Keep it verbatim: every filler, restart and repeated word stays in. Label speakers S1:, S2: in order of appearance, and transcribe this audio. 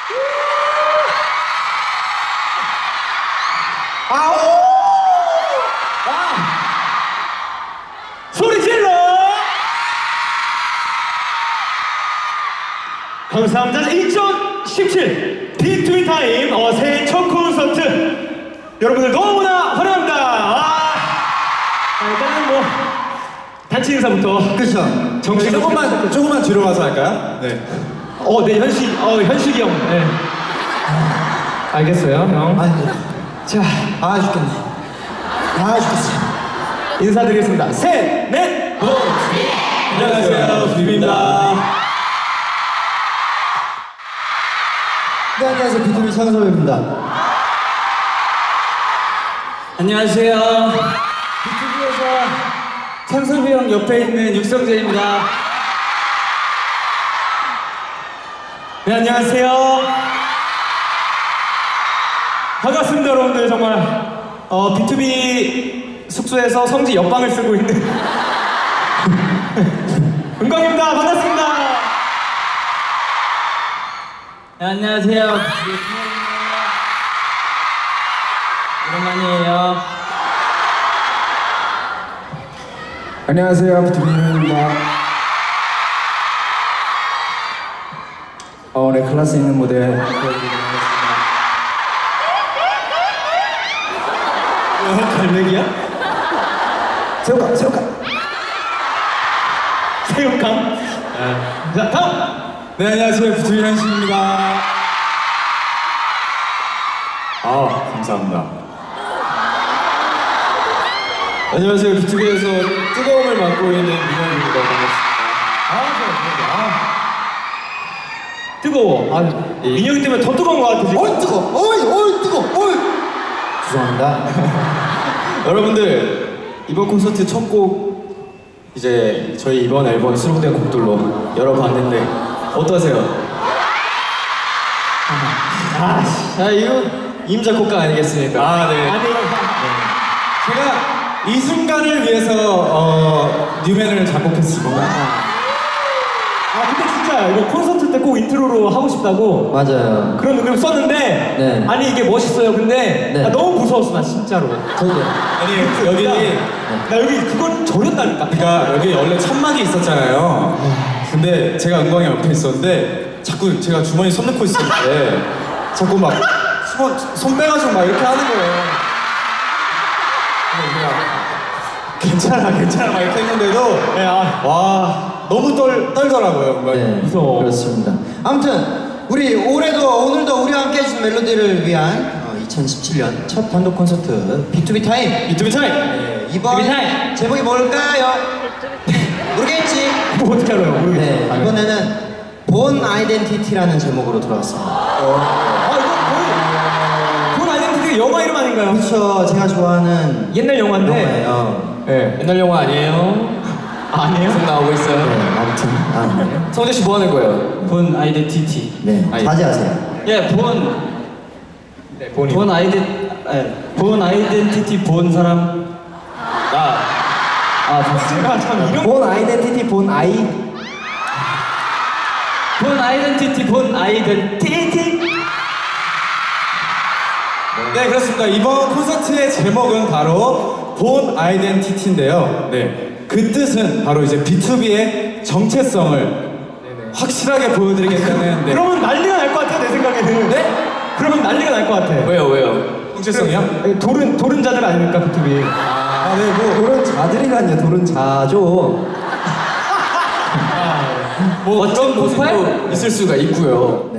S1: 아오! 아! 소리 질러! 감사합니다. 이천십칠 비투비 타임 어, 새해 첫 콘서트 여러분들 너무나 환영합니다. 아, 아, 일단은 뭐 단체 인사부터.
S2: 그렇죠.
S1: 정식
S2: 조금만 조금만 뒤로 가서 할까요? 네.
S1: 어, 네 현식, 어 현식이 형. 네. 알겠어요, 형.
S2: 아이고.
S1: 자,
S2: 아 죽겠네. 아 죽겠어.
S1: 인사드리겠습니다. 셋, 넷, 고!
S2: 안녕하세요, 비비입니다. 네, 안녕하세요, 비투비 창섭입니다.
S3: 안녕하세요. 비투비에서 창섭이 형 옆에 있는 육성재입니다.
S1: 네, 안녕하세요. 반갑습니다, 여러분들. 정말 어, 비투비 숙소에서 성지 옆방을 쓰고 있는 은광입니다. 반갑습니다.
S3: 네, 안녕하세요. 비투비의 오랜만이에요.
S2: 안녕하세요, 비투비 현입니다. 어, 오늘 클래스 있는 무대 보여드리도록 하겠습니다.
S1: 갈매기야?
S2: 새우깡, 새우깡.
S1: 새우깡. 자, 다음.
S2: 네, 안녕하세요, 비투비 현식입니다. 아, 감사합니다. 안녕하세요, 비투비에서 뜨거움을 맡고 있는 민현입니다. 반갑습니다.
S1: 아, 좋아, 아. 뜨거워. 아, 민혁이 때문에 더 뜨거운 것 같아 지금.
S2: 어이 뜨거, 어이 어이 뜨거, 어이. 죄송합니다. 여러분들 이번 콘서트 첫 곡 이제 저희 이번 앨범 수록된 곡들로 열어봤는데 어떠세요?
S1: 아,
S2: 자 이거 임자 곡가 아니겠습니까? 아 네.
S1: 아니,
S2: 제가 이 순간을 위해서 어, 뉴맨을 작곡했습니다.
S1: 아 근데 진짜 이거 콘서트 때 꼭 인트로로 하고 싶다고
S2: 맞아요.
S1: 그런 느낌 썼는데
S2: 네.
S1: 아니 이게 멋있어요. 근데
S2: 네.
S1: 나 너무 무서웠어 나 진짜로.
S2: 저도.
S4: 아니 여기
S1: 나 여기 그걸 저렸다니까.
S4: 그러니까 여기 원래 천막이 있었잖아요. 근데 제가 은광이 옆에 있었는데 자꾸 제가 주머니 손 넣고 있었는데 자꾸 막 손, 손 빼가지고 막 이렇게 하는 거예요. 근데 제가 괜찮아 괜찮아 막 이렇게 했는데도
S1: 네, 아,
S4: 와 너무 떨, 떨더라고요. 은광이.
S2: 네,
S1: 무서워.
S2: 그렇습니다. 아무튼 우리 올해도 오늘도 우리와 함께 해주신 멜로디를 위한 어, 이천십칠 년 첫 단독 콘서트 비투비 타임.
S1: 비투비 타임.
S2: 네, 이번
S1: 비투비 타임.
S2: 제목이 뭘까요? 모르겠지.
S1: 뭐 어떻게 알아요? 모르겠어.
S2: 네,
S1: 아,
S2: 이번에는 본 아이덴티티라는 제목으로 돌아왔습니다.
S1: 아 이거 거의 본 아이덴티티 영화 이름 아닌가요?
S2: 그렇죠. 제가 좋아하는
S1: 옛날 영화인데.
S2: 영화예요.
S1: 네.
S3: 옛날 영화 아니에요?
S1: 아, 아니에요?
S3: 계속 나오고 있어요.
S2: 네, 아무튼 아, 네.
S3: 성재 씨 뭐 하는 거예요? 본 아이덴티티.
S2: 네,
S3: 아이-
S2: 자제하세요.
S3: 예, 본.
S1: 네, 본이.
S3: 본 아이덴, 예, 본 아이덴티티 본 사람. 나. 아, 봤어.
S1: 제가 참 이런
S2: 본 아이덴티티 본 아이.
S3: 본 아이덴티티 본 아이덴티티.
S4: 네 그렇습니다. 이번 콘서트의 제목은 바로 본 아이덴티티인데요. 네. 그 뜻은 바로 이제 비투비의 정체성을 확실하게 보여드리겠다는 네.
S1: 그러면 난리가 날 것 같아 내 생각에는.
S4: 네?
S1: 그러면 난리가 날 것 같아.
S3: 왜요, 왜요?
S4: 정체성이요?
S1: 도른 도른 자들 아닙니까 비투비?
S2: 아, 네, 뭐 도른 자들이라뇨. 도른 자죠.
S3: 뭐 어떤 모습도 있을 수가 있고요.